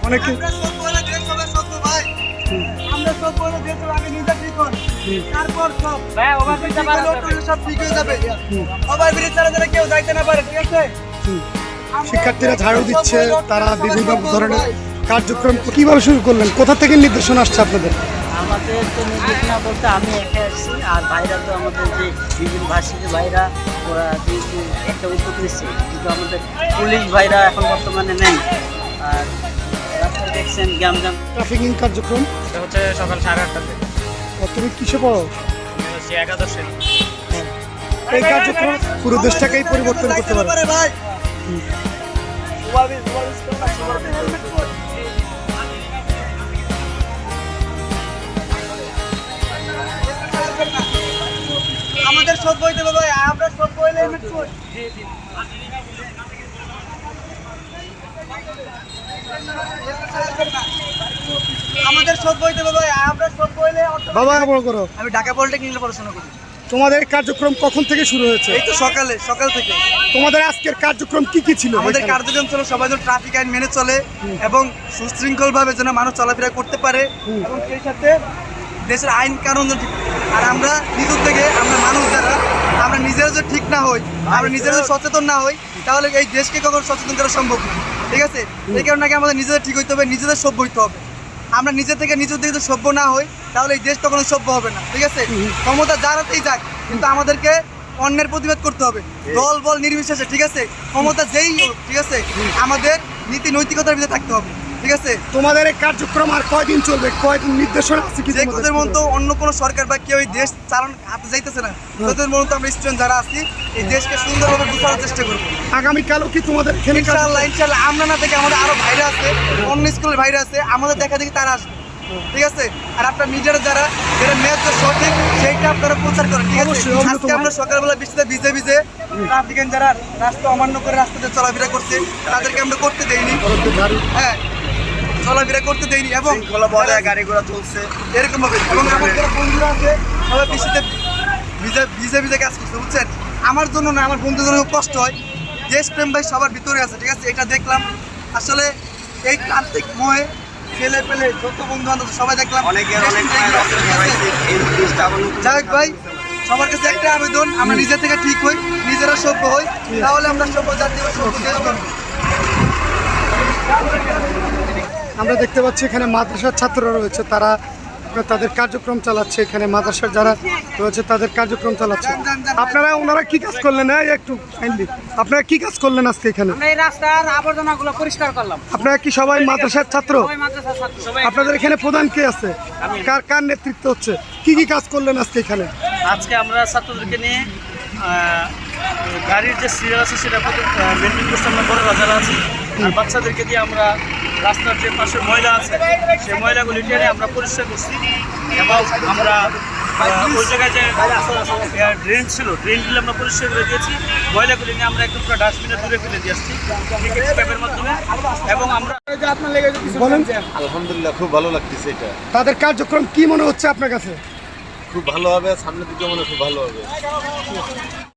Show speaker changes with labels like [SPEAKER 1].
[SPEAKER 1] অনেকে
[SPEAKER 2] আমরা সব বলে দেশ হবে সত্য ভাই। আমরা সব বলে দেশ হবে, আগে নিজে ঠিক হন, তারপর সব
[SPEAKER 3] ভাই ওভার দিতে পারো
[SPEAKER 2] সব ঠিক হয়ে যাবে। সবাই বিরোধী ছাড়া যেন কেউ যাইতে না পারে, ঠিক আছে?
[SPEAKER 1] শিক্ষার্থীরা ঝাড়ু দিচ্ছে, তারা বিভিন্ন ধরনের কার্যক্রম কিভাবে শুরু করলেন, কোথা থেকে নির্দেশনা আসছে আপনাদের?
[SPEAKER 3] আমাদের তো নির্দেশনা বলতে আমি একা আসছি, আর ভাইরা তো আমাদের যে বিভিন্ন ভার্সিটির ভাইরা ওরা যেহেতু একটা উদ্যোগ নিচ্ছে, কিন্তু আমাদের পুলিশ ভাইরা এখন বর্তমানে নেই। আর রাস্তায় দেখছেন গ্যামজাম
[SPEAKER 1] ট্রাফিকিং কার্যক্রম
[SPEAKER 4] এটা হচ্ছে সকাল 8:30টাতে।
[SPEAKER 1] তুমি কিসে পড়ো?
[SPEAKER 4] হচ্ছে একাদশে।
[SPEAKER 1] এই কার্যক্রম পুরো দেশটাকেই পরিবর্তন করতে পারে।
[SPEAKER 2] ভাই আমাদের সব বইতে বাবা, আমরা সব বইলে আমাদের সব বইতে বাবা, আমরা সব বইলে
[SPEAKER 1] বাবা বড় করো।
[SPEAKER 2] আমি ঢাকা পলিটেকনিকে পড়াশোনা করি।
[SPEAKER 1] তোমাদের কার্যক্রম কখন থেকে শুরু হয়েছে?
[SPEAKER 2] এই তো সকাল থেকে।
[SPEAKER 1] তোমাদের আজকের কার্যক্রম কি ছিল?
[SPEAKER 2] আমাদের কার্যক্রম ছিল সবাই যেন ট্রাফিক আইন মেনে চলে এবং সুশৃঙ্খল ভাবে যেন মানুষ চলাফেরা করতে পারে এবং সেই সাথে দেশের আইন কানুন যেন ঠিক। আর আমরা নিজের থেকে আমরা মানুষ যারা আমরা নিজেরা যদি ঠিক না হই, আমরা নিজেরা যদি সচেতন না হই, তাহলে এই দেশকে কখনো সচেতন করা সম্ভব না, ঠিক আছে? এই কারণে আগে আমাদের নিজেদের ঠিক হইতে হবে, নিজেদের সভ্য হইতে হবে। আমরা নিজের থেকে যদি সভ্য না হই, তাহলে এই দেশ তখন সভ্য হবে না, ঠিক আছে? ক্ষমতা যার হাতেই যাক, কিন্তু আমাদেরকে অন্যের প্রতিবাদ করতে হবে, দল বল নির্বিশেষে, ঠিক আছে? ক্ষমতা যেই হোক, ঠিক আছে? আমাদের নীতি নৈতিকতার ভিতরে থাকতে হবে, ঠিক আছে?
[SPEAKER 1] তোমাদের এই কার্যক্রম আর কয়দিন চলবে? কয়দিন নির্দেশনা আছে কি?
[SPEAKER 2] যে তোদের মন তো অন্য কোনো সরকার বা কেউ এই দেশ চালান হাতে যাইতেছে না, তোদের মন তো আমরা স্টুডেন্ট যারা আছি এই দেশকে সুন্দরভাবে গুছানোর চেষ্টা করবো।
[SPEAKER 1] আগামীকালও কি তোমাদের এখানে
[SPEAKER 2] ইনশাল্লাহ আমরা না থেকে আমাদের আরো ভাইরা আছে, অন্য স্কুলের ভাইরা আছে, আমাদের দেখা দেখি তারা আসবে, ঠিক আছে? আর আপনার নিজেরা যারা যেটা ন্যায্য সঠিক সেইটা আপনারা প্রচার করেন, ঠিক আছে? আজকে আমরা সকালবেলা বৃষ্টিতে ভিজে ট্রাফিক আইন যারা রাস্তা অমান্য করে রাস্তাতে চলাফেরা করছে তাদেরকে আমরা করতে দেইনি, হ্যাঁ চলাফেরা করতে দেয়নি এবং গাড়ি ঘোড়া চলছে এরকম ভাবে। এবং আমার যারা বন্ধুরা আছে সবাই বৃষ্টিতে ভিজে কাজ করছে, বুঝছেন? আমার জন্য না, আমার বন্ধুদের জন্য খুব কষ্ট হয়। দেশপ্রেম ভাই সবার ভিতরে আছে, ঠিক আছে? এটা দেখলাম আসলে এই প্রান্তিক মহে ছেলে পেলে যত বন্ধু বান্ধব সবাই দেখলাম। যাই হোক ভাই, সবার কাছে একটা আবেদন, আমরা নিজে থেকে ঠিক হই, নিজেরা সভ্য হই, তাহলে আমরা সভ্য জাতি বা সভ্য দেশ গঠন।
[SPEAKER 1] আমরা দেখতে পাচ্ছি এখানে মাদ্রাসার ছাত্ররা রয়েছে, তারা তাদের কার্যক্রম চালাচ্ছে। এখানে মাদ্রাসার যারা রয়েছে তাদের কার্যক্রম চালাচ্ছে। ওনারা কি কাজ করলেন? একটু কাইন্ডলি আপনারা কি কাজ করলেন আজকে এখানে?
[SPEAKER 3] আমরা এই রাস্তার আবর্জনাগুলো পরিষ্কার করলাম।
[SPEAKER 1] আপনারা কি সবাই মাদ্রাসার ছাত্র?
[SPEAKER 3] সবাই মাদ্রাসার ছাত্র।
[SPEAKER 1] আপনাদের এখানে প্রধান কে আছে? কার নেতৃত্ব হচ্ছে? কি কাজ করলেন আজকে এখানে?
[SPEAKER 3] আজকে আমরা ছাত্রদেরকে নিয়ে গাড়ির যে সিরিয়াল আছে সেটা মেনটেন করতে আমরা বড় যারা আছি, আর বাচ্চাদেরকে দিয়ে আমরা রাস্তার যে পাশে ময়লা আছে সেই ময়লাগুলি টেনে আমরা পরিষ্কার করছি এবং আমরা ওই জায়গায় যে ড্রেন ছিল ড্রেনগুলো আমরা পরিষ্কার করে দিয়েছি। ময়লাগুলি নিয়ে আমরা একদম পুরো ডাস্টবিনে দূরে ফেলে দিয়ে আসছি ক্যাবের মাধ্যমে। এবং আমরা
[SPEAKER 1] বলেন।
[SPEAKER 5] আলহামদুলিল্লাহ, খুব ভালো লাগতেছে। এটা
[SPEAKER 1] তাদের কার্যক্রম কি মনে হচ্ছে আপনার কাছে?
[SPEAKER 5] খুব ভালো হবে, সামনের দিকে মনে খুব ভালো হবে।